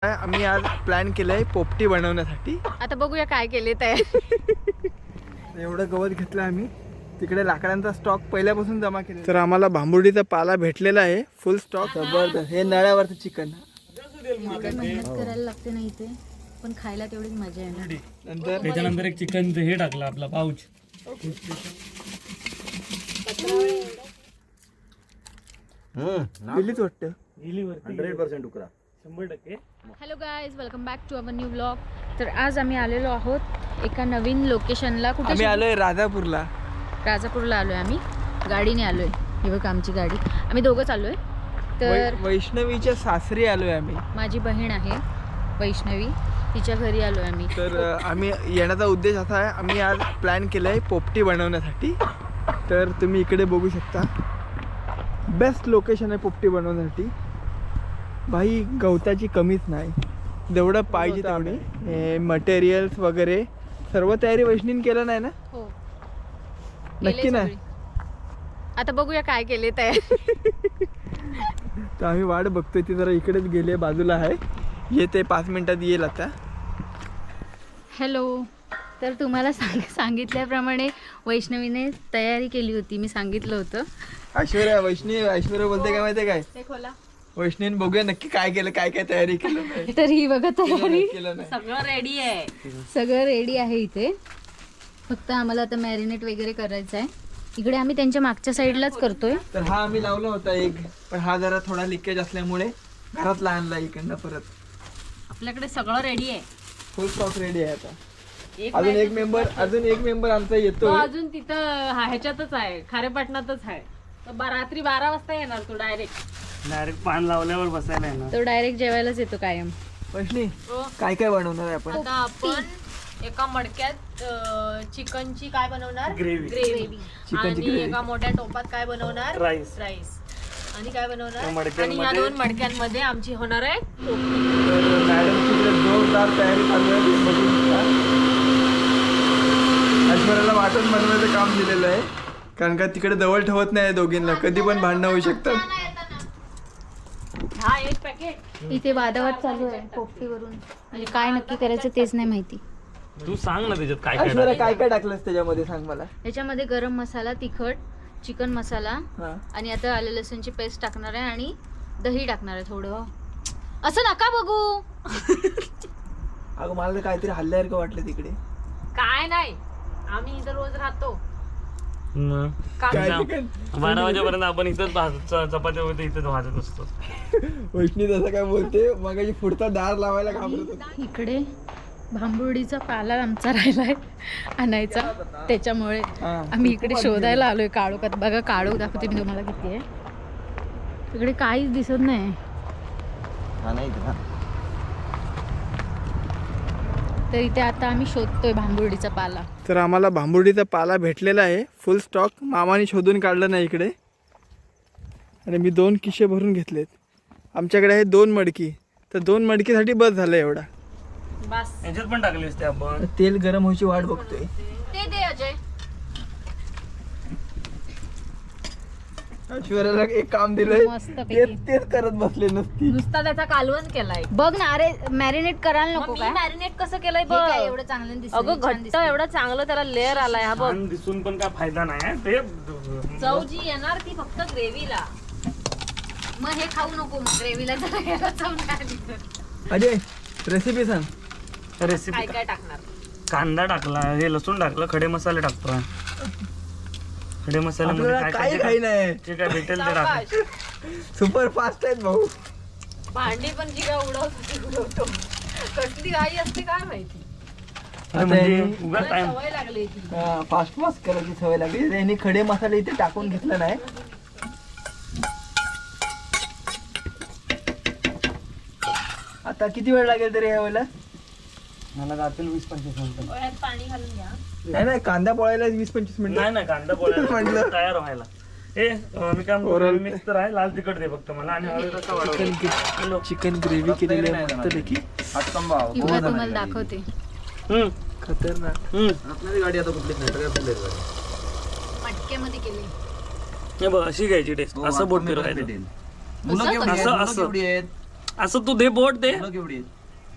आम्ही आज प्लॅन केलंय पोपटी बनवण्यासाठी. आता बघूया काय केले ते. एवढं गवत घेतलं आम्ही. तिकडे लाकडांचा स्टॉक पहिल्यापासून जमा केला. तर आम्हाला भांबुर्डीचा पाला भेटलेला आहे फुल स्टॉक. जबरदस्त. हे नळ्यावरचं चिकन. मेहनत करायला लागते नाही ते, पण खायला तेवढीच मजा आहे ना. नंतर त्याच्यानंतर एक चिकन हे टाकलं आपला पाऊच. दिलीच वाटतं. 100% उकरा 100%. Hello guys, welcome back to our new blog. तर आज आम्ही आलेलो आहोत एका नवीन लोकेशनला. कुठे आम्ही आलोय राजापूरला. राजापूरला आलोय आम्ही. गाडीने आलोय. ही बघ आमची गाडी. आम्ही दोघंच आलोय. तर वैष्णवीच्या सासरी आलोय आम्ही. माझी बहीण आहे वैष्णवी, तिच्या घरी आलोय आम्ही. तर आम्ही येण्याचा उद्देश असा आहे, आम्ही आज प्लॅन केलंय पोपटी बनवण्यासाठी. तर तुम्ही इकडे बघू शकता. बेस्ट लोकेशन आहे पोपटी बनवण्यासाठी. भाई गवताची कमीच नाही, जेवढं पाहिजे तेवढे मटेरियल्स वगैरे सर्व तयारी वैष्णीने केलं नाही ना? हो, नक्की नाही. आता बघूया काय केले ते. तर आम्ही वाट बघतोय. ती जरा इकडेच गेली, बाजूला आहे. येते 5 मिनिटात येईल आता. हॅलो. तर तुम्हाला सांगितल्याप्रमाणे वैष्णवीने तयारी केली होती. मी सांगितलं होतं. ऐश्वर्या बोलते काय माहितीये काय? वैष्णवीने बघूया नक्की काय केलं, काय काय तयारी केलं नाही. तर ही बघा तयारी, केलं नाही. सगळं रेडी आहे. सगळं रेडी आहे इथे. फक्त आम्हाला आता मॅरिनेट वगैरे करायचं आहे. इकडे आम्ही त्यांच्या मागच्या साईडलाच करतोय. तर हा आम्ही लावला होता एक, पण हा जरा थोडा लिकेज असल्यामुळे घरात आणला इकडनं परत. आपल्याकडे सगळं रेडी आहे. फुल स्टॉक रेडी आहे आता. अजून एक मेंबर आमचा येतो. अजून तिथं ह्याच्यातच आहे, खारेपाटणातच आहे. रात्री 12 वाजता येणार तो डायरेक्ट पान लावल्यावर बसायला आहे ना. तो डायरेक्ट जेवायलाच येतो कायम. वैष्णी काय काय बनवणार आहे आपण? आता आपण एका मडक्यात चिकनची काय बनवणार? ग्रेव्ही. आणि एका मोठ्या टोपात काय बनवणार? राईस. आणि काय बनवणार? मडक्यांमध्ये- आणि या 2 मडक्यांमध्ये आमची होणार आहे मॅडमची इकडे जोरदार तयारी चालू आहे. बघू शकता. ऐश्वर्याला वाटून बनवायचं काम दिलेलं आहे, कारण का तिकडे जवळ ठेवत नाही दोघींना. कधी पण भांडणं होऊ शकतात. हा एक पॅकेट. इथे वादावाद चालू आहे पोपटीवरून. म्हणजे काय नक्की करायचं तेच नाही माहिती. तू सांग ना त्याच्यात काय काय ऐश्वर्या काय काय टाकलंस त्याच्यामध्ये, सांग मला. याच्यामध्ये गरम मसाला, तिखट, चिकन मसाला हा. आणि आता आलं लसूणची पेस्ट टाकणार आहे आणि दही टाकणार आहे थोडं. असं नका बघू. अगं मला तर काहीतरी हल्ल्यासारखं वाटलं तिकडे. काय नाही, आम्ही इथं रोज राहतो. काय चिकन? 12 वाजेपर्यंत आपण इथंच चपात्या वगैरे इथंच भाजत असतो. वैष्णी तसं काय बोलते, मगाशी पुढचा दार लावायला घाबरत होती. इकडे भांबुर्डीचा पाला आमचा राहिलाय आणायचा, त्याच्यामुळे हा. आम्ही इकडे शोधायला आलोय काळोखात. बघा काळोख दाखवते मी तुम्हाला किती आहे. इकडे काहीच दिसत नाही. तर इथे आता आम्ही शोधतोय भांबुर्डीचा पाला. तर आम्हाला भांबुर्डीचा पाला भेटलेला आहे फुल स्टॉक. मामाने शोधून काढलं नाही इकडे. आणि मी 2 किशे भरून घेतलेत. आमच्याकडे आहे 2 मडकी. तर 2 मडकीसाठी बस झालं एवढा. बस. याच्यात पण टाकली असते आपण. तेल गरम व्हायची वाट बघतोय. ते दे अजय. ऐश्वर्याला एक काम दिलंय, मस्तपैकी. तेच करत बसले नसती. नुसता त्याचा कालवण केलाय. बघ ना, अरे मॅरिनेट करायला नको मी काय? मॅरिनेट कसं केलंय हे बघ. काय एवढं चांगलं दिसतंय, अगं छान घट्ट दिसतंय. एवढा चांगलं त्याला लेअर आलाय. हा बघ, छान दिसून पण काय फायदा नाही ते. चव जी येणार ती फक्त ग्रेव्हीला. मग हे खाऊ नको ग्रेव्हीला. चव नाही आली तर. अजय रेसिपी सांग. रेसिपी काय काय टाकणार? कांदा टाकला, हे लसूण टाकलं, खडे मसाले टाकतो. खडे मसाल्यामध्ये आपल्याला काय काही काय काही नाही. जे काय भेटेल ते टाक. सावकाश. सुपर फास्ट आहेत भाऊ. भांडी पण जी काय उडवतो कसली घाई असते काय माहिती. म्हणजे उगाच टाइम. सवय लागली ती. फास्ट फास्ट करायची सवय लागली. त्यांनी खडे मसाले इथे टाकून घेतला नाही. आता किती वेळ लागेल तरी ह्या वेळेला? मला जातील 20-25 मिनिटं. यात पाणी घालून घ्या. नाही कांदा पोळायला 20-25 मिनिटं. नाही कांदा पोळ्या म्हटलं. तयार व्हायला. मी काय Oral. मिक्स तर आहे, लाल तिखट दे फक्त मला. आणि हळद रस्सा वाढव. चिकन ग्रेव्ही केलेली आहे मस्तपैकी. इकडे तुम्हाला दाखवते. खतरनाक. मटक्यामध्ये केले. हे बघ अशी घ्यायची टेस्ट. असं बोट फिरवायचं. असं असं तू दे बोट दे मुलं केवढी आहेत?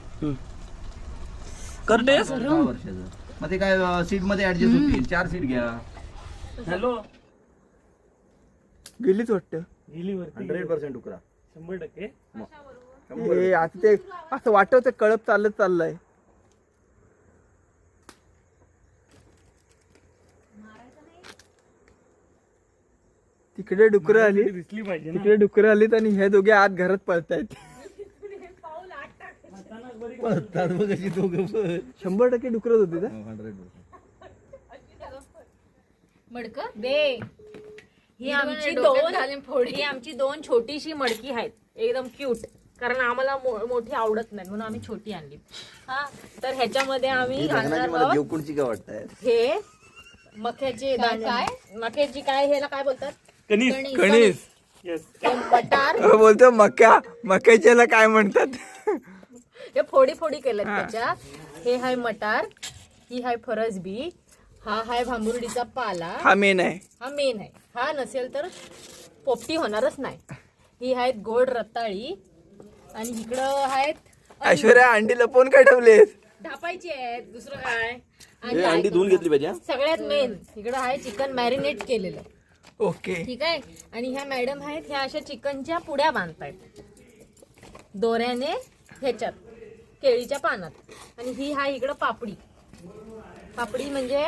कर टेस्ट 6 वर्षाचं. मग ते काय सीट मध्ये ऍडजस्ट होतील. 4 सीट घ्या. हॅलो गेलीच वाटतं. 100% उकरा. 100%. हे आता ते असं वाटतं कळप चालत चाललंय. तिकडे डुकरं आली, दिसली पाहिजे ना. तिकडे डुकरं आलीत आणि हे दोघे आत घरात पळतायत. पळतात बघ कशी दोघं पण. 100% डुकरच होती ना. 100%. मडक दे ही आमची दोन छोटीशी मडकी आहेत एकदम क्यूट. कारण आम्हाला मोठी आवडत नाही म्हणून आम्ही छोटी आणली. हा तर ह्याच्यामध्ये आम्ही घालणार मला आहोत देवकुंडची काय वाटताय? हे मक्याचे दाणे. मक्याची काय ह्याला काय बोलतात? कणीस. कणीस Yes. हे मटार. बोलतो मक्याच्याला काय म्हणतात. हे फोडी फोडी केल्यात त्याच्या. हे हाय मटार, ही हाय फरसबी, हा हाय भांबुर्डीचा पाला. हा मेन आहे. हा मेन आहे. हा नसेल तर पोपटी होणारच नाही. ही आहेत गोड रताळी आणि इकडं आहेत ऐश्वर्या अंडी लपवून काय ठेवलेस. ढापायची आहेत. दुसरं काय हे अंडी धुवून घेतली पाहिजे हा? सगळ्यात मेन इकडं आहे चिकन मॅरिनेट केलेलं. ओके. ठीक आहे. आणि ह्या मॅडम आहेत ह्या अशा चिकनच्या पुड्या बांधतायत दोऱ्याने ह्याच्यात केळीच्या पानात. आणि ही हा इकडं पापडी. पापडी म्हणजे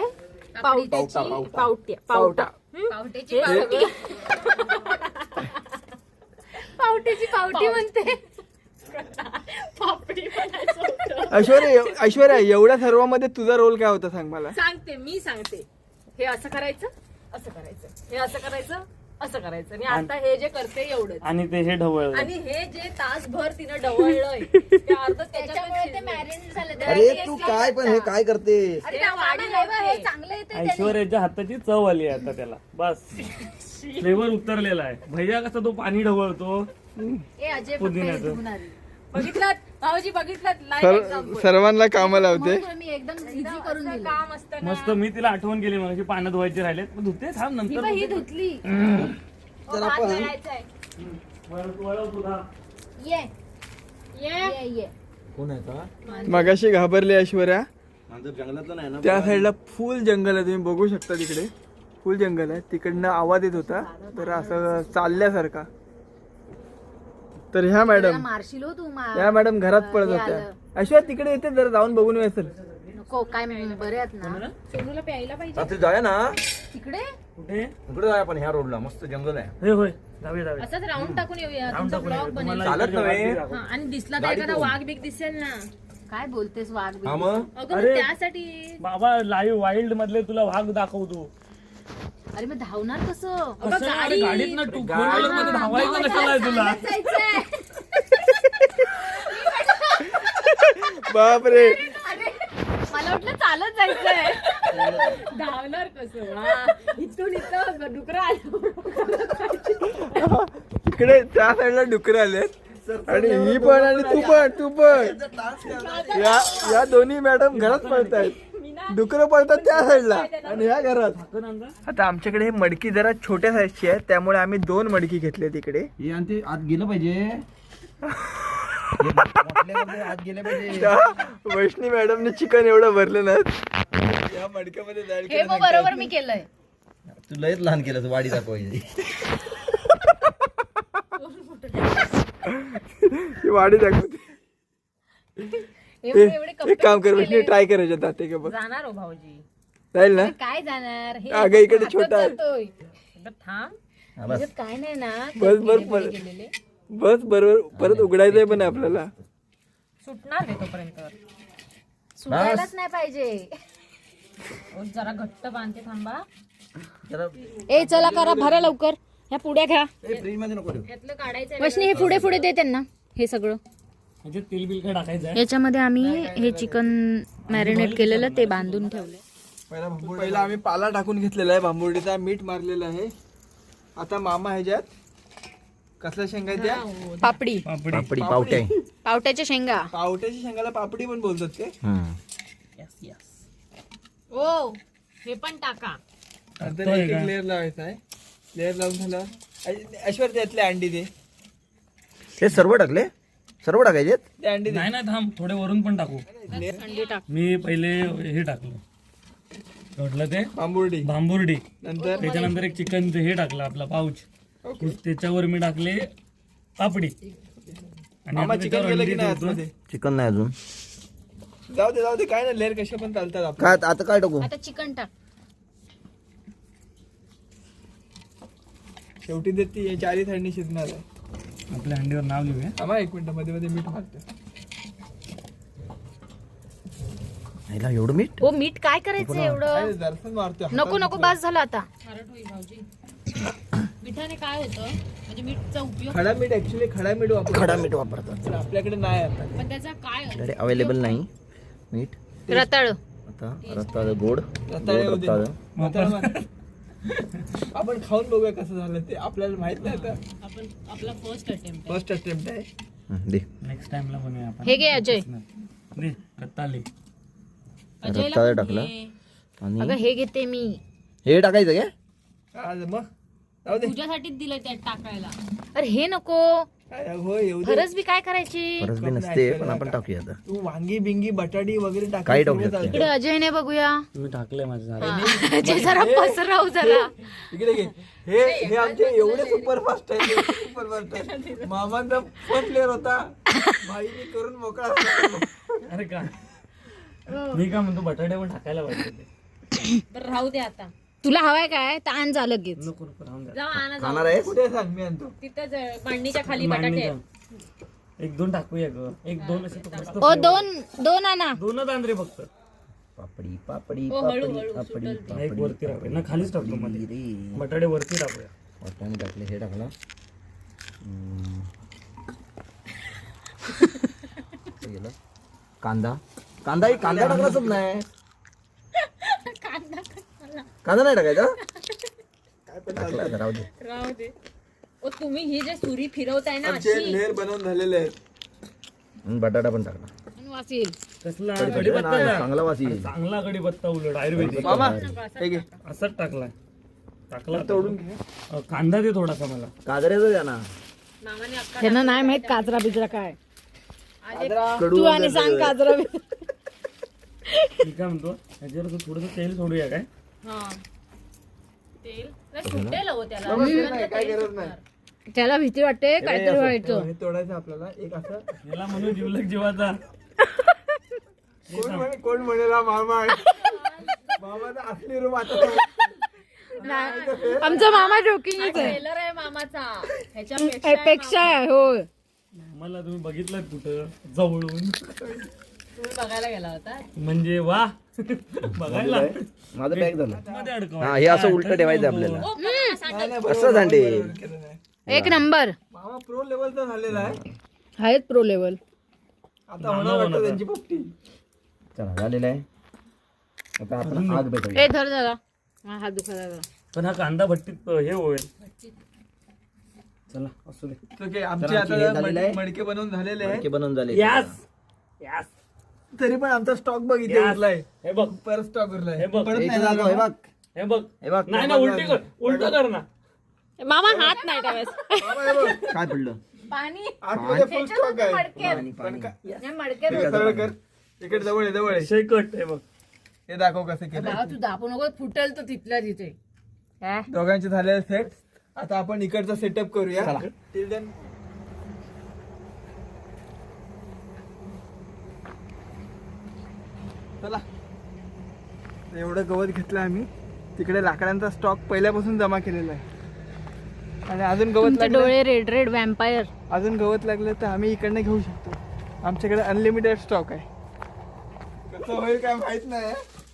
पावटा. पावट्याची पावट्याची पावटी म्हणते. पापडी म्हणायचं होतं. ऐश्वर्या एवढ्या सर्वांमध्ये तुझा रोल काय होता सांग मला. सांगते मी सांगते. हे असं करायचं, असं करायचं, हे असं करायचं, असं करायचं. आणि आता हे जे करते एवढंच. आणि ते हे ढवळ आणि हे जे तासभर तिनं ढवळलंय ते अर्ध त्याच्यामुळे ते मॅरिनेट झालं. अरे तू काय पण हे काय करते? अरे त्या वाढी नाही बा, हे चांगलं येते. ऐश्वर्याच्या हाताची चव आली आहे आता त्याला. बस फ्लेवर उतरलेला आहे. भैया कसा तो पाणी ढवळतो. ए अजय पुदिन्याचं. बघितलं भाऊजी, बघितलं लाईव्ह एक्झाम्पल. सर्वांना कामाला लावते. मी एकदम इझी करून दिलं. काम असतं ना. मस्त. मी तिला आठवण केली म्हणजे पानं धुवायचे राहिलेत. मग धुते थांब ही नंतर बघ, ही धुतली. भात घालायचंय. वळव तुला. ये ये ये कोण आहे का? मगाशी घाबरली ऐश्वर्या. मांजर जंगलातलं नाही ना? त्या साईडला फुल जंगल आहे, तुम्ही बघू शकता तिकडे फुल जंगल आहे. तिकडनं आवाज येत होता तर असं चालल्यासारखा. तर ह्या मॅडम मारशील हो तू या मॅडम घरात पळत होत्या. ऐश्वर्या तिकडे येते जरा जाऊन बघून येसल. नको काय बरे आहेत ना. सोनूला प्यायला पाहिजे. रात्री जाऊया ना. तिकडे कुठे? इकडे जाऊया आपण ह्या रोडला. मस्त जंगल आहे. होय होय जाऊया. असंच राऊंड टाकून येऊया. राऊंड तुमचा टाकून ब्लॉग ये. बनेल. तुम्हाला चालत इकडच्या नव्हे. वाटी दाखव. हा, आणि दिसला तर गाडी एखादा कोण? वाघ बिग दिसेल ना. काय बोलतेस वाघ हा मग अगं अरे. मग त्यासाठी बाबा लाईव्ह वाईल्ड मधले तुला वाघ दाखवतो. अरे मग धावणार कसं. अगं गाडी गाडीत ना टू व्हीलर मध्ये धावायचं कशाला आहे तुला. बापरे. मला वाटलं चालत जायचंय. धावणार कसं. हा, इथून इथं डुकरं आलं. इकडे त्या साईडला डुकर आलेत आणि ही पण आणि तू पण या दोन्ही मॅडम घरात पळतायत. डुकरं पळतात त्या साईडला आणि ह्या घरात. आता आमच्याकडे हे मडकी जरा छोट्या साईजची आहे त्यामुळे आम्ही 2 मडकी घेतले तिकडे. हे आणि ते आत गेलं पाहिजे. हे म्हटल्यावर आत गेलं पाहिजे. त्या वैष्णी मॅडमने चिकन एवढं भरलं ना या मडक्यामध्ये जाईल हे मग बरोबर मी केलंय. तू लयच लहान केलं तू वाडी दाखवायची. ही वाढी दाखवते. एक काम कर वैष्णी ट्राय करायचं दाते का बघ जाणार हो भाऊजी. जाईल ना. काय जाणार हे अगं इकडे छोटा आहे. जातोय. थांब. हा, बस. त्याच्यात काय नाही ना. बस बरोबर परत उघडायचंय पण आपल्याला. सुटणार नाही तोपर्यंत. सुटायलाच नाही पाहिजे. जरा घट्ट बांधते थांबा. जरा ए चला करा भरा लवकर. ह्या पुड्या घ्या. फ्रीज मध्ये नको ठेवू. यातलं काढायचं. वैष्णी हे पुढे पुढे दे त्यांना हे सगळं. म्हणजे तेल बिल काय टाकायचं आहे. याच्यामध्ये आम्ही हे चिकन मॅरिनेट केलेलं ते बांधून ठेवले. पहिला आम्ही पाला टाकून घेतलेला आहे भांबुर्डीचा. मीठ मारलेलं आहे. आता मामा ह्याच्यात कसल्या शेंगा आहेत त्या पापडी पापडी पावटे. पावट्याच्या शेंगा. पावट्याच्या शेंगाला पापडी पण बोलतात ते. ओ हे पण टाका. नंतर एक लेअर लावायचा आहे. लेअर लावून झालं ऐश्वर्या त्यातले अंडी दे. हे सर्व टाकले. सर्व टाकायचे ते अंडी दे. नाही ना थांब थोडे वरून पण टाकू अंडी टाक. मी पहिले हे टाकलं म्हटलं ते बांबुर्डी भांबुर्डी नंतर त्याच्यानंतर एक चिकन हे टाकलं आपला पाऊच त्याच्यावर मी टाकले पापडी आणि मामा आता चिकन त्याच्यावर गेलं की अंडी नाही ठेवतो. आतमध्ये? चिकन नाही अजून जाऊ दे काय ना लेअर कशा पण चालतात आपण काय आता काय टाकू आता चिकन टाक. शेवटी ते ती चारी थंडी शिजणार आहे. आपल्या अंडीवर नाव लिहूया आम्हा एक मिनिट मध्ये मध्ये मीठ मारतो. ह्याला एवढं मीठ हो मीठ काय करायचं एवढं? दर्शन मारतो नको नको बास झालं आता. मिठाने काय होतं म्हणजे मीठचा उपयोग खडा मीठ ऍक्च्युली खडा मीठ वापरतो खडा मीठ वापरतात पण आपल्याकडे नाही आता. पण त्याचा काय आपल्याकडे अवेलेबल नाही मीठ रताळ. आता रताळ गोड रताळे गोड होते. रताळ आता मग आपण खाऊन बघूया कसं झालं ते आपल्याला माहित नाही आता. आपण आपला फर्स्ट अटेम्प्ट फर्स्ट अटेम्प्ट आहे. दे नेक्स्ट टाइमला बनवूया आपण हे घे अजय. दे रत्ताले रताळ टाकला अगं आणि हे घेते मी. हे टाकायचं काय आज मग जाऊ दे तुझ्यासाठीच दिलंय त्यात टाकायला. अरे हे नको. काय हो येऊ दे. फरस बी काय करायची? परत बी नसते पण आपण टाकूया आता तू वांगी बिंगी बटाटी वगैरे टाक. काही टाकू शकते. इकडे अजयने बघूया. तुम्ही टाकले माझ्या अजय जरा पसरव जरा. इकडे घे. हे आमचे एवढे सुपरफास्ट आहे सुपरफास्ट आहे. मामांचा फर्स्ट लेअर होता भाईने करून मोकळा झाला. अरे का मी काय म्हणतो बटाटे पण टाकायला पाहिजे ते. तर राहू दे आता. तुला हवाय काय? तर आण झालं लगेच. नको नको राहून द्या. जाऊ आणा जाऊ. खाणार आहे कुठे सांग मी आणतो. तिथं मांडणीच्या खाली बटाटे आहेत. एक दोन टाकूया ग एक दोन असे तर मस्त ओ दोन आणा. दोनच आंध्रे फक्त पापडी पापडी हो, हळू, पापडी हळू, पापडी नाही, एक वरती टाकूया ना खालीच टाकतो मध्ये रे बटाटे वरती टाकूया वाटाणे टाकले हे टाकला हे गेलं. कांदा कांदा टाकलाच नाही कांदा नाही टाकायचा टाकला आता, राहू दे राहू दे. ओ तुम्ही ही जे सुरी फिरवताय ना आमचे अशी लेअर बनवून झालेले आहेत. आणि बटाटा पण टाकला आणि वासील. कसला नाही, कढीपत्ता चांगला वास येईल. चांगला कढीपत्ता उलट आयुर्वेदिक मामा हे घे. असाच टाकलाय टाकला तोडून घे. कांदा दे थोडासा मला काजऱ्याचं द्या ना मामाने अक्का त्यांना नाही माहित काजरा बिजरा काय. कडू तू आणि सांग काजरा बिजरा. मी काय म्हणतो ह्याच्यावर थोडस तेल सोडूया काय हा तेल नाही, सुटेल हो त्याला. नाही, काय गरज नाही. त्याला भीती वाटते काहीतरी व्हायचं. हे तोडायचं आपल्याला एक असं याला म्हणून जीवलक जीवाचा कोण म्हणेल हा मामा आहे. मामाचा असली रूम आता आमचा मामा जोकिंगच आहे. ट्रेलर आहे मामाचा ह्याच्यापेक्षा पेक्षा आहे होय. मला तुम्ही बघितलं कुठं जवळून तुम्ही बघायला गेला होता. म्हणजे वा बघायला माझं पॅक झालं मध्ये अडकव हा हे असं उलट ठेवायचं आपल्याला ओ, मामा सांडलं. असं झांडे केलं नाही. एक नंबर. मामा प्रो लेवलचा झालेला आहे. आहेत प्रो लेवल. आता होणार वाटतं त्यांची पोपटी. चला झालेलं आहे आता आपण आग भेटूया ए धर जरा. हा, हात दुखायला लागला. पण हा कांदा भट्टीत हे होईल चला असू दे तर काय आमचे तर आमचे हे आता झालेलं आहे. मडके बनवून झालेले मडके आहेत. बनवून झाले यास यास तरी पण आमचा स्टॉक बघ इथे यास. उरलाय. हे बघ परत स्टॉक उरलाय. हे बघ. परत एक नाही दाखव, जाणार हे मामा. बघ हे बघ हे बघ नाही ना उलट कर ना मामा हात नाही ठेवायचा. मामा हे बघ. काय पडलं पाणी आतमध्ये फुल स्टॉक आहे. पाणी पाणी मडके हे सरळ कर. इकडे जवळ आहे जवळ आहे. शेकट हे बघ हे दाखव कसं केलं. भावा, तू दाखवू नको फुटेल तर तिथल्या तिथे. काय? दोघांचे झालेले सेट. आता आपण इकडचा सेटअप करूया. Till then चला एवढं गवत घेतलं आम्ही. तिकडे लाकडांचा स्टॉक पहिल्यापासून जमा केलेला आहे आणि अजून गवत तुमचे लागलं डोळे रेड रेड वॅम्पायर. अजून गवत लागलं तर आम्ही इकडनं घेऊ शकतो. आमच्याकडे अनलिमिटेड स्टॉक आहे. कसं होईल काय माहित नाही.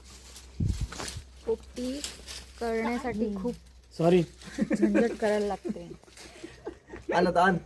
पोपटी करण्यासाठी खूप सॉरी झंझट करायला लागते. आण आता आण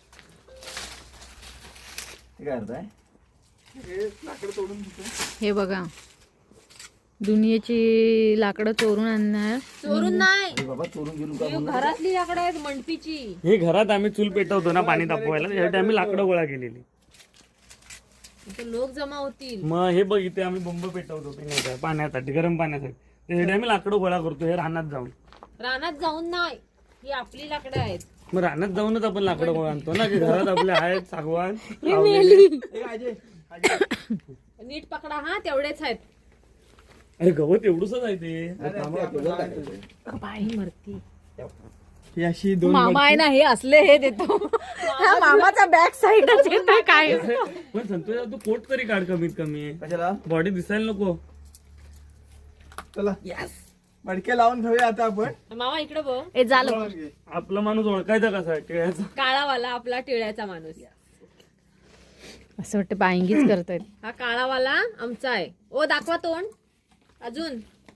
हे काय करताय हे लाकडं तोडून घेतो. हे बघा दुनियेची लाकडं चोरून आणणार. चोरून नाही, हे बाबा चोरून गेलो का म्हणून घरातली लाकडं आहेत मंडपीची. हे घरात आम्ही चूल पेटवतो ना पाणी तापवायला त्यासाठी आम्ही लाकडं गोळा केलेली इथे लोक जमा होतील. मग हे बघ इथे आम्ही बंब पेटवतो ते नाही का पाण्यासाठी गरम पाण्यासाठी त्यासाठी आम्ही लाकडं गोळा करतो हे रानात जाऊन रानात जाऊन नाही, ही आपली लाकडं आहेत. मग रानात जाऊनच आपण लाकडं आणतो ना, की घरात आपले आहेत सागवान. ए, अजय नीट पकडा हा, तेवढेच आहेत. अरे गवत एवढंच आहे ते. बाई मरती. ही अशी दोन मामा आहे ना, हे असले हे देतो. हा मामाचा बॅक साईडच येतो काय. पण संतोष तू कोट तरी काढ कमीत कमी, कशाला बॉडी दिसायला नको. चला मडके लावून घेऊया आता आपण. मामा इकडे बघ. हे झालं. आपला माणूस ओळखायचा कसा टिळ्याचा. काळावाला आपला टिळ्याचा माणूस. असं वाटतं बायंगीच करतायत. हा काळावाला आमचा आहे. ओ दाखवा तोंड अजून.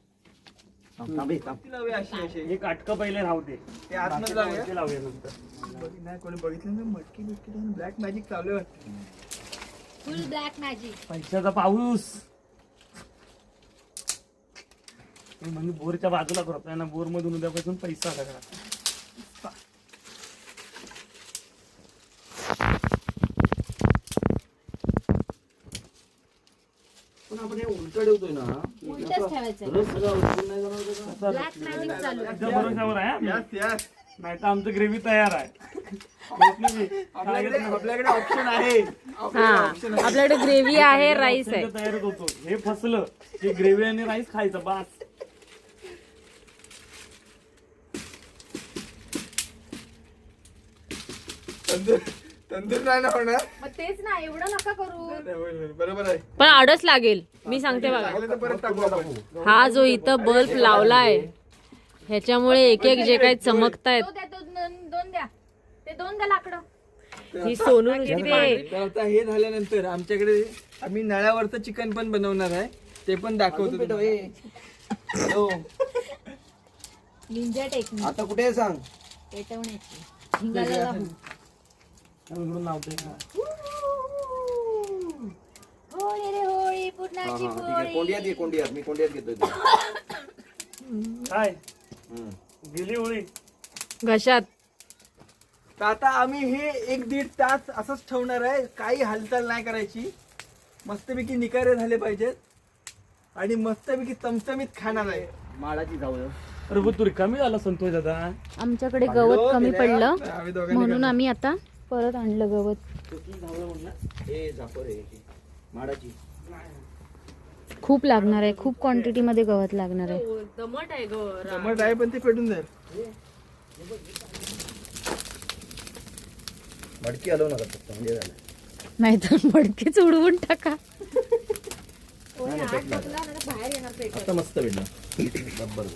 लावूया अशी अशी. हे काटकं पहिले राहू दे, ते आतमध्ये लावूया. ते लावूया नंतर. नाही कोणी बघितलं ना मटकी बिटकी ब्लॅक मॅजिक चालू आहे वाटतं. Full black magic. पैशाचा पाऊस. म्हणजे बोरच्या बाजूला करतोय ना, बोर मधून उद्यापासून पैसा सगळा. पण आपण हे उलट ठेवतोय ना, उलटच ठेवायचं. रस सगळा उलटून नाही जाणार त्याचा. ब्लॅक मॅजिक चालू आहे. तुझ्या भरोशावर आहे हा. Yes yes. नाही तर आमचं ग्रेव्ही तयार आहे. आपल्याकडे ऑप्शन आहे. हा आपल्याकडे ग्रेव्ही आहे, राईस आहे. तयारच होतो. हे फसलं की ग्रेव्ही आणि राईस खायचं बास. तंदूर नाही ना होणार. मग तेच ना, एवढं नका करू. बरोबर आहे. पण आडच लागेल. मी सांगते बघा, लागलं तर परत टाकू आपण. हा जो इथं बल्ब लावलाय ह्याच्यामुळे एक एक जे काही चमकतायत. तो द्या, दोन द्या. ते 2 द्या लाकडं. ही सोनू नुसती तर आता हे झाल्यानंतर आमच्याकडे आम्ही नळ्यावरचं चिकन पण बनवणार आहे. ते पण दाखवतो पेटव, तुम्हाला. ए. हॅलो, निंजा टेक्निक आता कुठे आहे सांग. पेटवण्याची. हिंगाला लावून. इकडून लावतोय का? होळी रे होळी, हा, पुरणाची हा, ठीक आहे. पोळी. कोंडियात घे, कोंडियात. मी कोंडियात घेतोय ते. काय हम्म. गेली होळी. घशात. तर आता आम्ही हे 1-1.5 तास असंच ठेवणार आहे. काही हालचाल नाही करायची. मस्तपैकी निकारे झाले पाहिजेत आणि मस्तपैकी चमचमीत खाणार आहे. माळाची जाऊ अरे बघ तू रिकामी झाला संतोष दादा. आमच्याकडे गवत कमी पडलं आम्ही दोघांनी म्हणून आम्ही आता परत आणलं गवत. ए झापर आहे ती. माळाची खूप लागणार आहे, खूप क्वांटिटी मध्ये गवत लागणार आहे. दमट आहे टमाट आहे पण ते पेटून जाईल. मडकी हलवू नका फक्त, म्हणजे झालं. नाहीतर मडकीच उडवून टाका. आता मस्त भेटला बरोबर.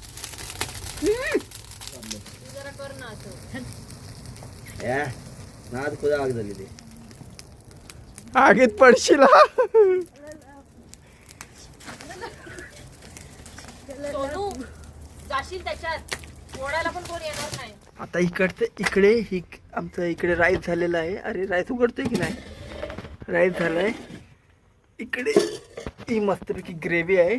नाद खुदा आग झाली ते. आगीत पडशील हा. सोनू जाशील त्याच्यात. ओढायला पण कोण येणार नाही. आता इकडे ही आमचं इकडे राईस झालेलं आहे. अरे राईस उघडतोय की नाही. राईस झालाय. इकडे ही मस्तपैकी ग्रेव्ही आहे.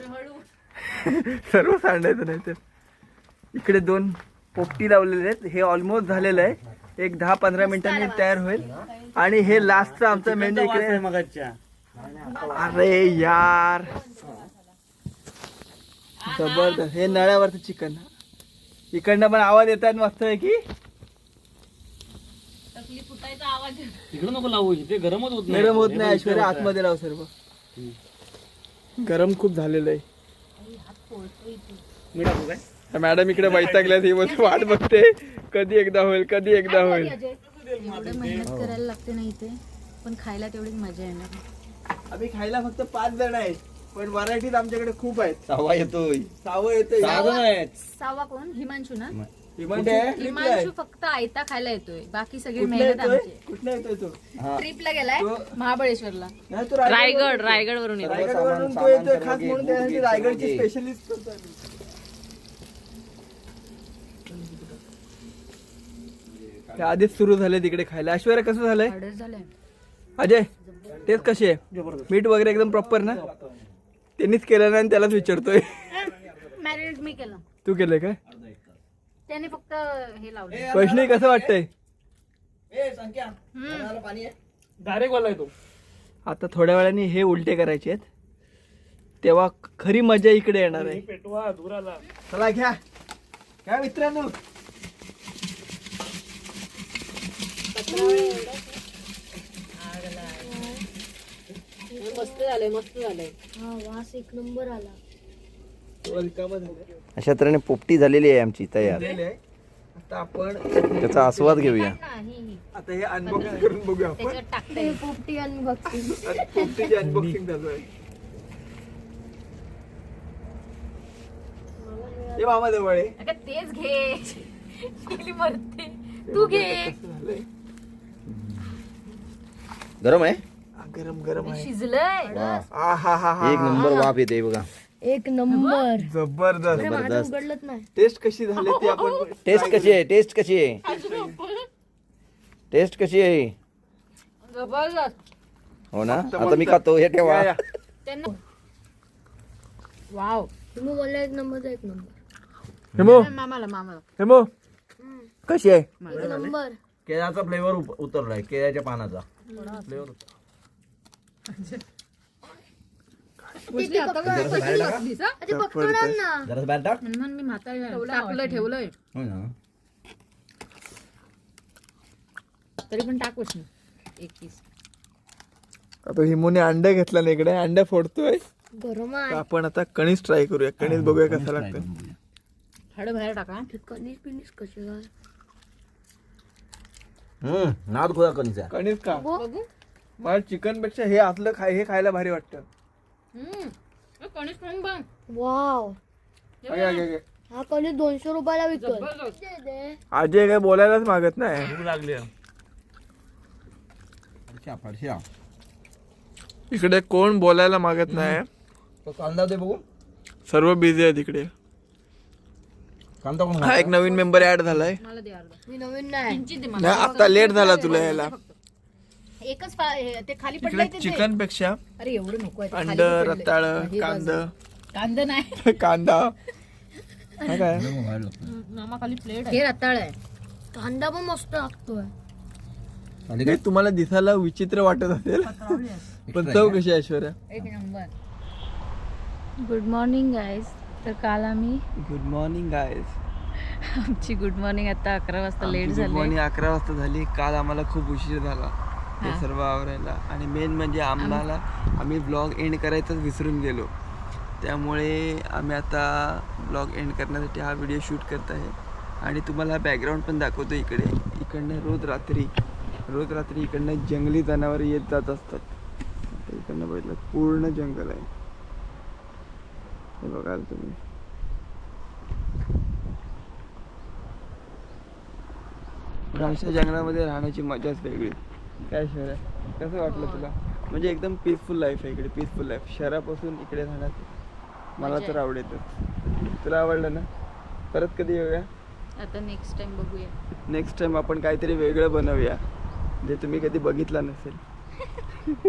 सर्व सांडायचं नाही तर. इकडे 2 पोपटी लावलेले आहेत. हे ऑलमोस्ट झालेलं आहे. एक 10-15 मिनिटांनी तयार होईल. आणि हे लास्टचं आमचं मेनू इकडे. मगाच्या अरे यार जबरदस्त. हे नळ्यावरचं चिकन. इकडनं पण आवाज येतात मस्त आहे की. तिकडे नको लावू, इथे गरमच होत नाही. गरम होत नाही. ऐश्वर्या आतमध्ये लाव सर्व. गरम खूप झालेलं आहे. मी टाकू काय? मॅडम इकडे वैतागल्यात. ही वाट बघते कधी एकदा होईल, कधी एकदा होईल. एवढं मेहनत करायला लागते नाही ते, पण खायला तेवढीच मजा येणार. आम्ही खायला फक्त 5 जण आहेत, पण व्हरायटीज आमच्याकडे खूप आहेत. सावा येतोय. सावं येतोय. 6 जण आहेत. सावा कोण? हिमांशू ना. कुठे आहे? हिमांशू फक्त आयता खायला येतोय, बाकी सगळी कुठला मेहनत येतोय? आमची. कुठला येतोय तो? ट्रिपला गेलाय तो- महाबळेश्वरला. नाही, तो रायगड वरून येतो. रायगडवरून तो सामान येतोय सर्व खास घे, म्हणून बूट त्यासाठी घे, रायगडची सर्व घे. स्पेशलिस्ट करतो आम्ही. ते आधीच सुरू झाले तिकडे खायला. ऐश्वर्या कसं झालंय? ऑर्डर झालंय. अजय तेच कशी आहे? जबरदस्त. मीठ वगैरे एकदम प्रॉपर ना? त्यांनीच केलं ना आणि त्यालाच विचारतोय. मॅरिनेट मी केलं, तू केलंय काय? त्याने फक्त हे लावलं. वैष्णवी कसं वाटतंय? डायरेक्ट वाला येतो. आता थोड्या वेळाने हे उलटे करायचे आहेत, तेव्हा खरी मजा इकडे येणार आहे. पेटवा धुराला. चला घ्या घ्या मित्रांनो. मस्त झालंय मस्त झालंय. वास एक नंबर आला. अशा तऱ्हेने पोपटी झालेली आहे आमची तयार. आता आपण त्याचा आस्वाद घेऊया. आता हे अनबॉक्सिंग करून बघूया आपण. त्याच्यात टाकते. पोपटी अनबॉक्सिंग. आता पोपटीची अनबॉक्सिंग चालू आहे. हे मामा जवळ आहे. अगं तेच घे. कोणी मरते. तू घे. कसं झालंय? गरम आहे. गरम गरम आहे. शिजलंय. वा. आ हा हा हा. एक नंबर वाफ येते बघा. एक नंबर. जबरदस्त. जबरदस्त. उघडलंच नाही. टेस्ट कशी झाली ती आपण टेस्ट कशी आहे? टेस्ट कशी आहे? टेस्ट कशी आहे? जबरदस्त. हो ना. आता मी खातो. हे ठेवा. या, या. त्यांना वाव. तुम्ही बोलला एक नंबर एक नंबर. हेमो मामाला हेमो कशी आहे? एक नंबर. केळ्याचा फ्लेवर उतरलाय. केळ्याच्या पानाचा फ्लेवर. जरा बाहेर टाक. मी म्हातारी ठेवलंय हो ना. तरी पण टाकूच एक पीस. आता हिमोने अंडा घेतला ना इकडे. अंडा फोडतोय. गरम तर आहे. आपण आता कणीस ट्राय करूया. कणीस बघूया कसं लागतं. हाड बाहेर टाका. कणीस पिनीस कसे काय? नाद खोया कणीचा. कणीस का बघू. मला चिकन पेक्षा हे आतलं हे खायला भारी वाटतं. कणीस खाऊन बघ. वाव. अगे, अगे, अगे. हा कणीस 200 रुपयाला विकतोय. जबरदस्त. आजी काय बोलायलाच मागत नाही. भूक लागली. फडशा. इकडे कोण बोलायला मागत नाही. तो कांदा दे बघू. सर्व बिझी आहे तिकडे. कांदा कोण हा एक नवीन मेंबर ऍड झालाय. मला दे अर्धा. मी नवीन नाही. किंचित दे मला. नाही आता लेट झाला तुला यायला. एकच ते खाली इकडे पडलंय ते दे. चिकन पेक्षा अरे एवढं नको आहे ते खाली अंड पडलंय. रताळ हे कांद कांदा नाही. कांदा हा काय मामा खाली प्लेट हे रताळ आहे. कांदा पण मस्त लागतोय. हे तुम्हाला दिसायला विचित्र वाटत असेल पण चव कशी आहे ऐश्वर्या? एक नंबर. Good morning guys. तर काल आम्ही गुड मॉर्निंग गाईज. आमची गुड मॉर्निंग आता 11 वाजता लेट गुड झाली. मॉर्निंग 11 वाजता झाली. काल आम्हाला खूप उशीर झाला हे सर्व आवरायला. आणि मेन म्हणजे आम्ही ब्लॉग एंड करायचंच विसरून गेलो. त्यामुळे आम्ही आता ब्लॉग एंड करण्यासाठी हा व्हिडिओ शूट करत आहे. आणि तुम्हाला बॅकग्राऊंड पण दाखवतो. इकडनं रोज रात्री इकडनं जंगली जनावर येत जात असतात. आता इकडनं बघितलं पूर्ण जंगल आहे. हे बघाल तुम्ही. अशा जंगलामध्ये राहण्याची मजाच वेगळी. काय शहर आहे कसं वाटलं तुला? म्हणजे एकदम पीसफुल लाईफ आहे इकडे. Peaceful life. शहरापासून इकडे राहण्यात मला तर आवडतच. तुला आवडलं ना? परत कधी येऊया? आता नेक्स्ट टाइम बघूया. नेक्स्ट टाइम आपण काहीतरी वेगळं बनवूया जे तुम्ही कधी बघितलं नसेल.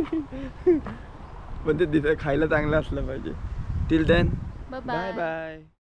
पण ते खायला चांगलं असलं पाहिजे. Till then bye bye bye.